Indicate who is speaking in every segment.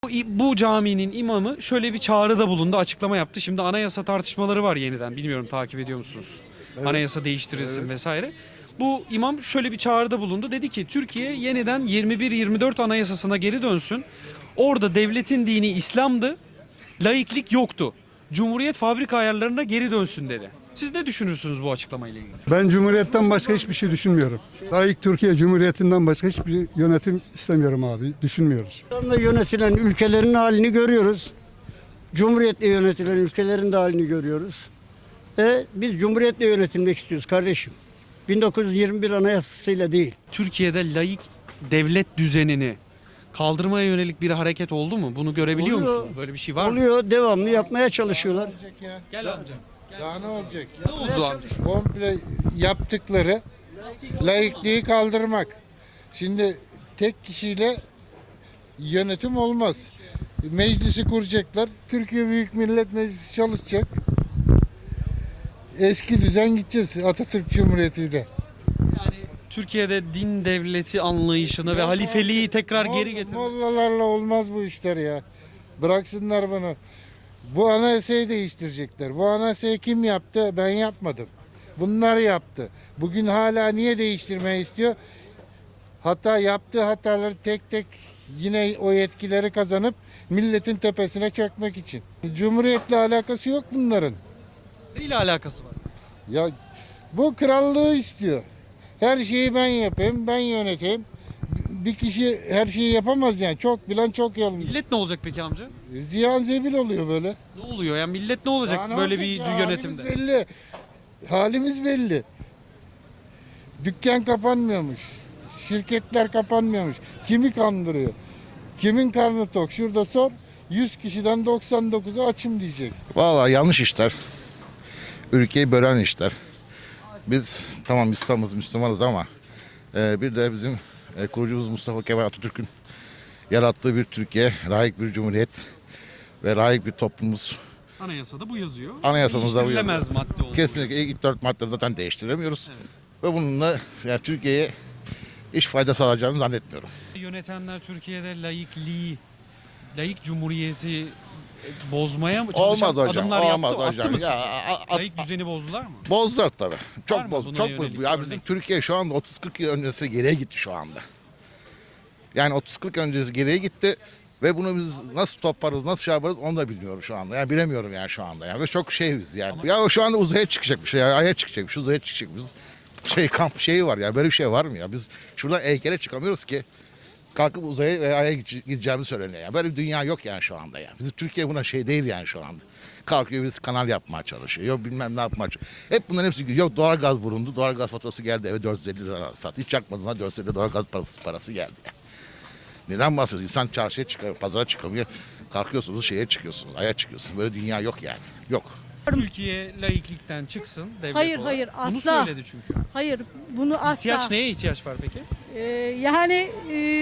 Speaker 1: Bu caminin imamı şöyle bir çağrıda bulundu, açıklama yaptı. Şimdi anayasa tartışmaları var yeniden. Bilmiyorum takip ediyor musunuz?
Speaker 2: Evet.
Speaker 1: Anayasa değiştirilsin
Speaker 2: Evet.
Speaker 1: vesaire. Bu imam şöyle bir çağrıda bulundu. Dedi ki Türkiye yeniden 21-24 anayasasına geri dönsün. Orada devletin dini İslam'dı. Laiklik yoktu. Cumhuriyet fabrika ayarlarına geri dönsün dedi. Siz ne düşünürsünüz bu açıklamayla ilgili?
Speaker 2: Ben Cumhuriyet'ten başka hiçbir şey düşünmüyorum. Layık Türkiye Cumhuriyeti'nden başka hiçbir yönetim istemiyorum abi. Düşünmüyoruz.
Speaker 3: İslam'la yönetilen ülkelerin halini görüyoruz. Cumhuriyetle yönetilen ülkelerin de halini görüyoruz. Biz Cumhuriyetle yönetilmek istiyoruz kardeşim. 1921 Anayasası'yla değil.
Speaker 1: Türkiye'de laik devlet düzenini kaldırmaya yönelik bir hareket oldu mu? Bunu görebiliyor
Speaker 3: Oluyor.
Speaker 1: musunuz? Böyle bir şey var mı?
Speaker 3: Oluyor, devamlı yapmaya çalışıyorlar.
Speaker 1: Gel amca.
Speaker 4: Daha ne olacak?
Speaker 1: Ne oldu amca?
Speaker 4: Komple yaptıkları laikliği kaldırmak. Şimdi tek kişiyle yönetim olmaz. Meclisi kuracaklar. Türkiye Büyük Millet Meclisi çalışacak. Eski düzen gideceğiz Atatürk Cumhuriyeti'yle.
Speaker 1: Yani Türkiye'de din devleti anlayışını ve halifeliği tekrar geri getirmek.
Speaker 4: Mollalarla olmaz bu işler ya. Bıraksınlar bunu. Bu anayasayı değiştirecekler. Bu anayasayı kim yaptı? Ben yapmadım. Bunlar yaptı. Bugün hala niye değiştirmeyi istiyor? Yaptığı hataları tek tek yine o yetkileri kazanıp milletin tepesine çökmek için. Cumhuriyetle alakası yok bunların.
Speaker 1: Neyle alakası var?
Speaker 4: Ya bu krallığı istiyor. Her şeyi ben yapayım, ben yöneteyim. Bir kişi her şeyi yapamaz yani. Çok bilen çok yalın.
Speaker 1: Millet ne olacak peki amca?
Speaker 4: Ziyan zebil oluyor böyle.
Speaker 1: Ne oluyor? Yani millet ne olacak
Speaker 4: Daha ne
Speaker 1: böyle
Speaker 4: olacak
Speaker 1: bir
Speaker 4: ya?
Speaker 1: yönetimde?
Speaker 4: Halimiz belli. Halimiz belli. Dükkan kapanmıyormuş. Şirketler kapanmıyormuş. Kimi kandırıyor? Kimin karnı tok? Şurada sor. 100 kişiden 99'u açım diyecek.
Speaker 5: Vallahi yanlış işler. Ülkeyi bölen işler. Biz tamam İslam'ız, Müslümanız ama bir de bizim kurucumuz Mustafa Kemal Atatürk'ün yarattığı bir Türkiye, layık bir cumhuriyet ve layık bir toplumumuz.
Speaker 1: Anayasada bu yazıyor.
Speaker 5: Anayasamızda bu yazıyor.
Speaker 1: Değiştirilemez madde oldu.
Speaker 5: Kesinlikle ilk 4 maddeleri zaten değiştiremiyoruz. Ve bununla yani Türkiye'ye hiç fayda sağlayacağını zannetmiyorum.
Speaker 1: Yönetenler Türkiye'de laikliği, laik cumhuriyeti bozmaya mı çalışan
Speaker 5: Olmaz hocam,
Speaker 1: adımlar
Speaker 5: olmaz
Speaker 1: yaptı?
Speaker 5: hocam.
Speaker 1: Attı mı
Speaker 5: Ya,
Speaker 1: sizce? Laik düzeni bozdular mı?
Speaker 5: bozdular tabii.
Speaker 1: Var
Speaker 5: Çok
Speaker 1: mı
Speaker 5: boz,
Speaker 1: buna
Speaker 5: çok
Speaker 1: yönelik
Speaker 5: boz. Ya bizim
Speaker 1: örnek?
Speaker 5: Türkiye şu anda 30-40 yıl öncesi geriye gitti şu anda. Yani 30-40 öncesi geriye gitti ve bunu biz nasıl toparız, nasıl şey yaparız onu da bilmiyorum şu anda. Yani bilemiyorum yani şu anda. Yani ve çok şeyiz yani. Ya şu anda uzaya çıkacakmış, ya aya çıkacakmış, uzaya çıkacakmış. Kamp şeyi var ya, böyle bir şey var mı ya? Biz şuradan heykele çıkamıyoruz ki kalkıp uzaya ve aya gideceğimiz söyleniyor. Yani böyle bir dünya yok yani şu anda yani. Bizim Türkiye buna şey değil yani şu anda. Kalkıyor birisi kanal yapmaya çalışıyor. Yok bilmem ne yapmaya çalışıyor. Hep bunların hepsi yok doğalgaz bulundu. Doğalgaz faturası geldi eve 450 lira sat. Hiç yakmadığına 450 lira doğalgaz parası geldi. Yani. Neden bahsediyorsun? İnsan çarşıya çıkıyor, pazara çıkamıyor. Kalkıyorsunuz şeye çıkıyorsunuz, aya çıkıyorsunuz. Böyle dünya yok yani. Yok.
Speaker 1: Türkiye laiklikten çıksın devlet
Speaker 6: Hayır,
Speaker 1: olarak.
Speaker 6: hayır,
Speaker 1: Bunu
Speaker 6: asla.
Speaker 1: söyledi çünkü.
Speaker 6: Hayır, bunu asla.
Speaker 1: İhtiyaç neye ihtiyaç var peki?
Speaker 6: Yani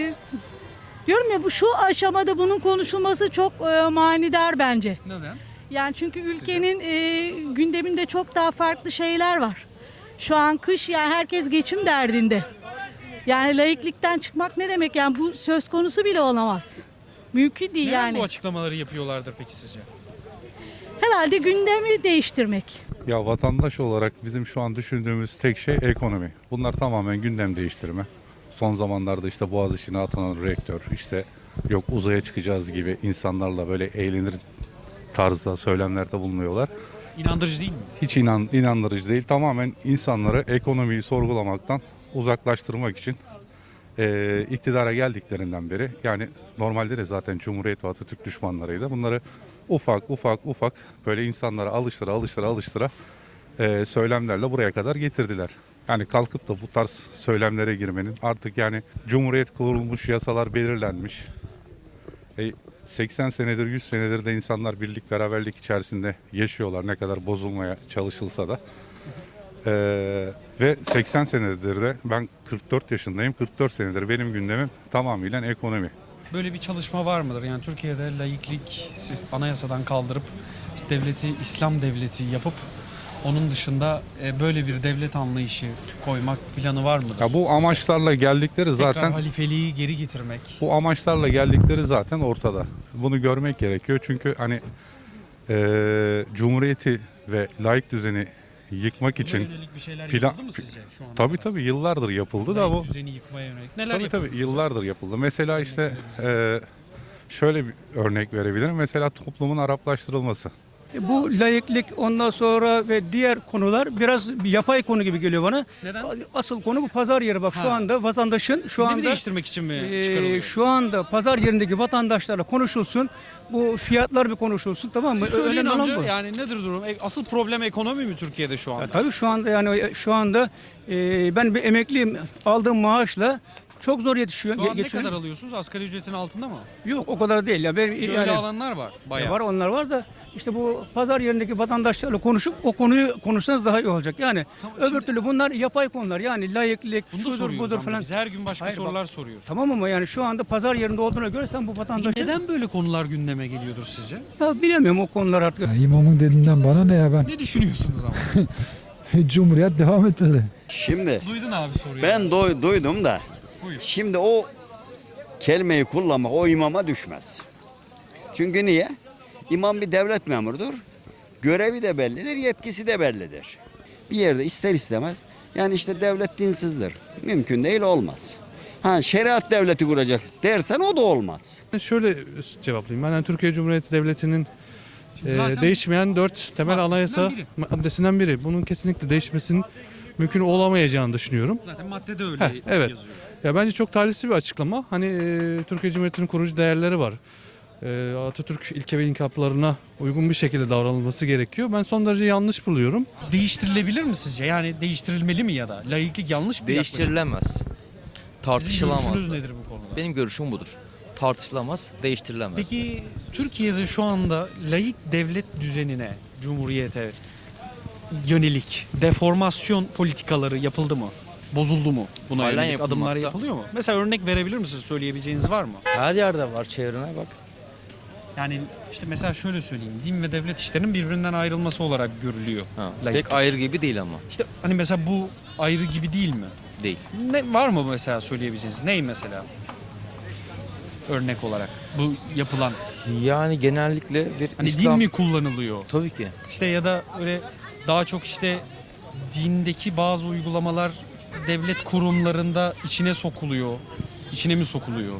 Speaker 6: diyorum ya bu şu aşamada bunun konuşulması çok manidar bence.
Speaker 1: Neden?
Speaker 6: Yani çünkü ülkenin gündeminde çok daha farklı şeyler var. Şu an kış yani herkes geçim derdinde. Yani laiklikten çıkmak ne demek yani bu söz konusu bile olamaz. Mümkün değil
Speaker 1: Neden
Speaker 6: yani.
Speaker 1: bu açıklamaları yapıyorlardır peki sizce?
Speaker 6: Herhalde gündemi değiştirmek.
Speaker 7: Ya vatandaş olarak bizim şu an düşündüğümüz tek şey ekonomi. Bunlar tamamen gündem değiştirme. Son zamanlarda işte Boğaziçi'ne atanan rektör, işte yok uzaya çıkacağız gibi insanlarla böyle eğlenir tarzda söylemlerde bulunuyorlar.
Speaker 1: İnandırıcı değil mi?
Speaker 7: Hiç inandırıcı değil. Tamamen insanları ekonomiyi sorgulamaktan uzaklaştırmak için iktidara geldiklerinden beri yani normalde de zaten Cumhuriyet ve Atatürk düşmanlarıydı. Bunları ufak böyle insanlara alıştıra söylemlerle buraya kadar getirdiler. Yani kalkıp da bu tarz söylemlere girmenin artık yani Cumhuriyet kurulmuş, yasalar belirlenmiş. 80 senedir 100 senedir de insanlar birlik beraberlik içerisinde yaşıyorlar ne kadar bozulmaya çalışılsa da. Ve 80 senedir de ben 44 yaşındayım. 44 senedir benim gündemim tamamıyla ekonomi.
Speaker 1: Böyle bir çalışma var mıdır? Yani Türkiye'de laiklik siz anayasadan kaldırıp işte devleti İslam devleti yapıp onun dışında böyle bir devlet anlayışı koymak planı var mıdır?
Speaker 7: Ya bu amaçlarla geldikleri
Speaker 1: Tekrar
Speaker 7: zaten
Speaker 1: halifeliği geri getirmek.
Speaker 7: bu amaçlarla geldikleri zaten ortada. bunu görmek gerekiyor. Çünkü hani Cumhuriyeti ve laik düzeni yıkmak için
Speaker 1: yönelik bir şeyler
Speaker 7: plan-
Speaker 1: yapıldı mı sizce şu ana
Speaker 7: tabii
Speaker 1: kadar?
Speaker 7: yıllardır yapıldı da bu
Speaker 1: Laik düzeni yıkmaya yönelik neler
Speaker 7: tabii
Speaker 1: yapıldı sizce?
Speaker 7: yıllardır yapıldı. Mesela işte şöyle bir örnek verebilirim. Mesela toplumun Araplaştırılması.
Speaker 8: Bu laiklik ondan sonra ve diğer konular biraz bir yapay konu gibi geliyor bana.
Speaker 1: Neden?
Speaker 8: Asıl konu bu pazar yeri. Bak
Speaker 1: Ha.
Speaker 8: şu anda vatandaşın şu
Speaker 1: Gündemi
Speaker 8: anda
Speaker 1: değiştirmek için mi çıkarılıyor?
Speaker 8: şu anda pazar yerindeki vatandaşlarla konuşulsun. Bu fiyatlar bir konuşulsun, tamam mı?
Speaker 1: Siz söyleyin
Speaker 8: Önemli olan
Speaker 1: amca,
Speaker 8: bu.
Speaker 1: yani nedir durum? Asıl problem ekonomi mi Türkiye'de şu anda?
Speaker 8: Ya tabii şu anda yani şu anda ben bir emekliyim, aldığım maaşla çok zor yetişiyor.
Speaker 1: Şu an ne
Speaker 8: geçiyorum.
Speaker 1: kadar alıyorsunuz? Asgari ücretin altında mı?
Speaker 8: Yok o kadar değil ya. Ben,
Speaker 1: Öyle
Speaker 8: yani,
Speaker 1: alanlar var bayağı.
Speaker 8: var onlar var da işte bu pazar yerindeki vatandaşlarla konuşup o konuyu konuşsanız daha iyi olacak. Yani
Speaker 1: Tamam,
Speaker 8: öbür
Speaker 1: şimdi-
Speaker 8: türlü bunlar yapay konular. Yani layıklık,
Speaker 1: Bunu da
Speaker 8: şudur
Speaker 1: soruyoruz
Speaker 8: budur
Speaker 1: ama
Speaker 8: falan.
Speaker 1: biz her gün başka
Speaker 8: Hayır,
Speaker 1: sorular soruyoruz.
Speaker 8: Tamam ama yani şu anda pazar yerinde olduğuna göre sen bu vatandaşı...
Speaker 1: Neden böyle konular gündeme geliyordur sizce?
Speaker 8: Ya bilemiyorum o konular artık.
Speaker 9: Ya imamın dediğinden bana ne ya ben?
Speaker 1: Ne düşünüyorsunuz ama?
Speaker 9: Cumhuriyet devam etmeli.
Speaker 10: Şimdi
Speaker 1: Duydun abi soruyu.
Speaker 10: ben duydum da
Speaker 1: Buyur.
Speaker 10: şimdi o kelimeyi kullanmak o imama düşmez. Çünkü niye? İmam bir devlet memurudur. Görevi de bellidir, yetkisi de bellidir. Bir yerde ister istemez yani işte devlet dinsizdir. Mümkün değil, olmaz. Ha, şeriat devleti kuracak dersen o da olmaz.
Speaker 11: Şöyle cevaplayayım. Ben yani Türkiye Cumhuriyeti Devleti'nin
Speaker 1: Zaten
Speaker 11: değişmeyen 4 temel
Speaker 1: maddesinden
Speaker 11: anayasa
Speaker 1: biri.
Speaker 11: maddesinden biri. Bunun kesinlikle değişmesinin mümkün olamayacağını düşünüyorum.
Speaker 1: Zaten maddede öyle
Speaker 11: Evet.
Speaker 1: yazıyor.
Speaker 11: Ya bence çok talihsiz bir açıklama. Hani Türkiye Cumhuriyeti'nin kurucu değerleri var. Atatürk ilke ve inkılaplarına uygun bir şekilde davranılması gerekiyor. Ben son derece yanlış buluyorum.
Speaker 1: Değiştirilebilir mi sizce? Yani değiştirilmeli mi ya da? Laiklik yanlış bir yaklaşım.
Speaker 12: Değiştirilemez.
Speaker 1: Sizin
Speaker 12: Tartışılamaz.
Speaker 1: görüşünüz
Speaker 12: da.
Speaker 1: nedir bu konuda?
Speaker 12: Benim görüşüm budur. Tartışılamaz, değiştirilemez.
Speaker 1: Peki Türkiye'de şu anda laik devlet düzenine, cumhuriyete yönelik deformasyon politikaları yapıldı mı? Bozuldu mu? Buna
Speaker 12: Halen
Speaker 1: yönelik
Speaker 12: yapılmakta.
Speaker 1: adımlar yapılıyor mu? Mesela örnek verebilir misiniz? Söyleyebileceğiniz var mı?
Speaker 12: Her yerde var, çevrene bak.
Speaker 1: Yani işte mesela şöyle söyleyeyim. Din ve devlet işlerinin birbirinden ayrılması olarak görülüyor.
Speaker 12: Ha,
Speaker 1: Laiklik.
Speaker 12: pek ayrı gibi değil ama.
Speaker 1: İşte hani mesela bu ayrı gibi değil mi?
Speaker 12: Değil.
Speaker 1: Ne var mı mesela söyleyebileceğiniz? Ney mesela? Örnek olarak bu yapılan.
Speaker 12: Yani genellikle bir
Speaker 1: Hani
Speaker 12: İslam...
Speaker 1: din mi kullanılıyor?
Speaker 12: Tabii ki.
Speaker 1: İşte ya da öyle daha çok işte dindeki bazı uygulamalar devlet kurumlarında içine sokuluyor. İçine mi sokuluyor?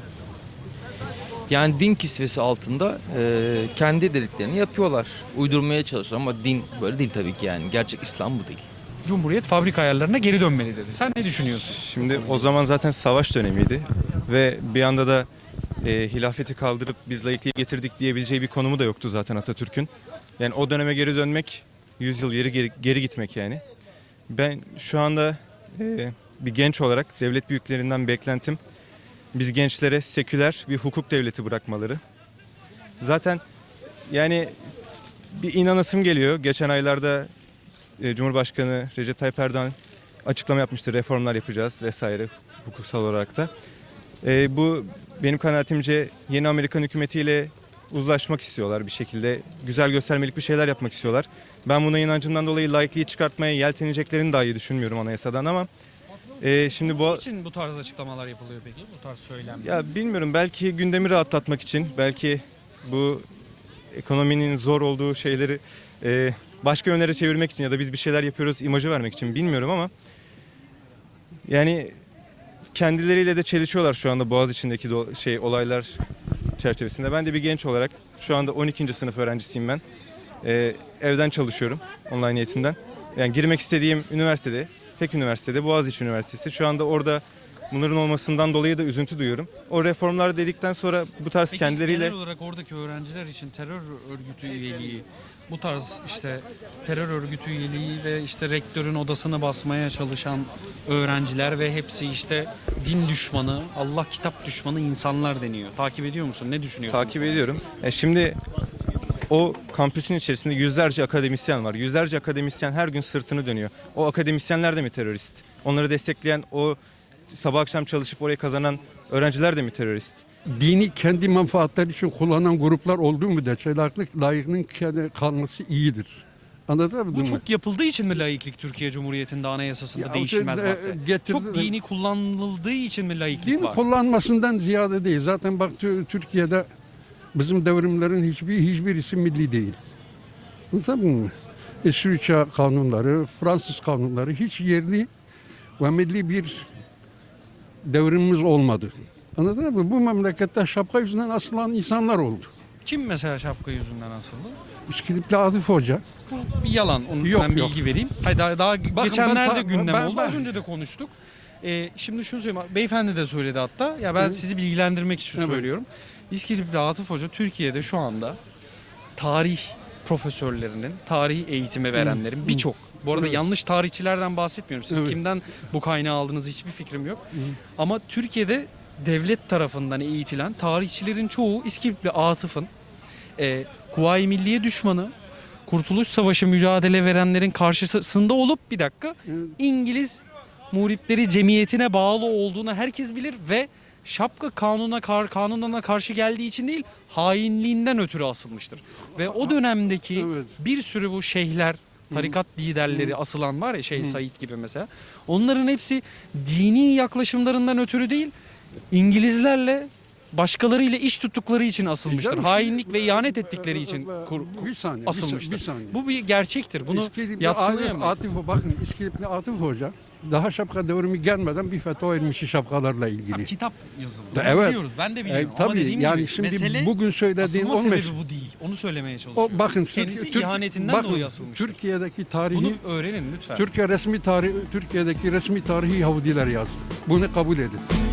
Speaker 12: Yani din kisvesi altında kendi dediklerini yapıyorlar. Uydurmaya çalışıyorlar ama din böyle değil tabii ki yani. Gerçek İslam bu değil.
Speaker 1: Cumhuriyet fabrika ayarlarına geri dönmeli dedi. Sen ne düşünüyorsun?
Speaker 13: Şimdi o zaman zaten savaş dönemiydi ve bir anda da hilafeti kaldırıp biz laikliği getirdik diyebileceği bir konumu da yoktu zaten Atatürk'ün. Yani o döneme geri dönmek 100 yıl geri gitmek yani. Ben şu anda bir genç olarak devlet büyüklerinden beklentim biz gençlere seküler bir hukuk devleti bırakmaları. Zaten yani bir inanasım geliyor. Geçen aylarda Cumhurbaşkanı Recep Tayyip Erdoğan açıklama yapmıştı. Reformlar yapacağız vesaire hukuksal olarak da. Bu benim kanaatimce yeni Amerikan hükümetiyle uzlaşmak istiyorlar bir şekilde. Güzel göstermelik bir şeyler yapmak istiyorlar. Ben buna inancımdan dolayı laikliği çıkartmaya yelteneceklerini dahi düşünmüyorum anayasadan ama şimdi bu...
Speaker 1: Niçin bu tarz açıklamalar yapılıyor peki? Bu tarz söylemler.
Speaker 13: Ya bilmiyorum, belki gündemi rahatlatmak için, belki bu ekonominin zor olduğu şeyleri başka yönlere çevirmek için ya da biz bir şeyler yapıyoruz imajı vermek için bilmiyorum ama yani kendileriyle de çelişiyorlar şu anda Boğaziçi'ndeki olaylar çerçevesinde. Ben de bir genç olarak şu anda 12. sınıf öğrencisiyim ben. Evden çalışıyorum online eğitimden. Yani girmek istediğim üniversitede, tek üniversitede Boğaziçi Üniversitesi. Şu anda orada bunların olmasından dolayı da üzüntü duyuyorum. O reformlar dedikten sonra bu tarz
Speaker 1: Peki
Speaker 13: kendileriyle...
Speaker 1: genel olarak oradaki öğrenciler için terör örgütü üyeliği, bu tarz işte terör örgütü üyeliği ve işte rektörün odasını basmaya çalışan öğrenciler ve hepsi işte din düşmanı, Allah kitap düşmanı insanlar deniyor. Takip ediyor musun? Ne düşünüyorsun?
Speaker 13: Takip ediyorum. Şimdi o kampüsün içerisinde yüzlerce akademisyen var. Yüzlerce akademisyen her gün sırtını dönüyor. O akademisyenler de mi terörist? Onları destekleyen, o sabah akşam çalışıp orayı kazanan öğrenciler de mi terörist?
Speaker 2: Dini kendi menfaatleri için kullanan gruplar olduğu müddetçe laikliğin kalması iyidir. Anladın mı?
Speaker 1: Bu çok yapıldığı için mi laiklik Türkiye Cumhuriyeti'nde anayasasında
Speaker 2: Ya,
Speaker 1: değişilmez madde? Çok
Speaker 2: dini
Speaker 1: dini kullanıldığı için mi laiklik var?
Speaker 2: kullanmasından ziyade değil. Zaten bak Türkiye'de Bizim devrimlerin hiçbirisi milli değil. Anladın mı? İsviçre kanunları, Fransız kanunları hiç yerli ve milli bir devrimimiz olmadı. Anladın mı? Bu memlekette şapka yüzünden asılan insanlar oldu.
Speaker 1: Kim mesela şapka yüzünden asıldı?
Speaker 2: İskilipli Atif Hoca.
Speaker 1: Bu bir yalan. Onu
Speaker 2: Yok,
Speaker 1: ben
Speaker 2: yok.
Speaker 1: bilgi vereyim. Hayır, daha geçenlerde
Speaker 2: ben-
Speaker 1: gündem
Speaker 2: ben-
Speaker 1: oldu.
Speaker 2: ben-
Speaker 1: Az önce de konuştuk. Şimdi şunu söyleyeyim. Beyefendi de söyledi hatta. Ya ben sizi bilgilendirmek için
Speaker 2: Evet.
Speaker 1: söylüyorum. İskilipli Atif Hoca Türkiye'de şu anda tarih profesörlerinin, tarih eğitimi verenlerin birçok. Bu arada
Speaker 2: Evet.
Speaker 1: yanlış tarihçilerden bahsetmiyorum. Siz
Speaker 2: Evet.
Speaker 1: kimden bu kaynağı aldığınız hiçbir fikrim yok. Ama Türkiye'de devlet tarafından eğitilen tarihçilerin çoğu İskilipli Atıf'ın Kuvayi Milliye düşmanı, Kurtuluş Savaşı mücadele verenlerin karşısında olup bir dakika İngiliz muhripleri cemiyetine bağlı olduğunu herkes bilir ve şapka kanununa karşı geldiği için değil, hainliğinden ötürü asılmıştır. Ve o dönemdeki
Speaker 2: Evet.
Speaker 1: bir sürü bu şeyhler, tarikat liderleri asılan var ya Şeyh Said gibi mesela. Onların hepsi dini yaklaşımlarından ötürü değil, İngilizlerle başkalarıyla iş tuttukları için asılmıştır.
Speaker 2: canım,
Speaker 1: Hainlik ve ihanet ettikleri için
Speaker 2: bir saniye,
Speaker 1: asılmıştır.
Speaker 2: bir saniye.
Speaker 1: Bu bir gerçektir. Bunu
Speaker 2: İskilipli
Speaker 1: yadsınayamayız.
Speaker 2: bakın İskilipli Atif Hoca daha şapka devrimi gelmeden bir fetva vermiş şapkalarla ilgili.
Speaker 1: Kitap yazıldı.
Speaker 2: Evet.
Speaker 1: Bunu biliyoruz. Ben de biliyorum. Ama
Speaker 2: Tabii
Speaker 1: dediğim
Speaker 2: yani
Speaker 1: gibi
Speaker 2: şimdi
Speaker 1: mesele
Speaker 2: bugün söylediğin
Speaker 1: asılma
Speaker 2: 15
Speaker 1: sebebi bu değil. Onu söylemeye çalışıyorum.
Speaker 2: o bakın
Speaker 1: Kendisi ihanetinden dolayı asılmıştır.
Speaker 2: Türkiye'deki tarihi
Speaker 1: Bunu öğrenin lütfen.
Speaker 2: Türkiye'deki resmi tarihi Yahudiler yazdı. Bunu kabul edin.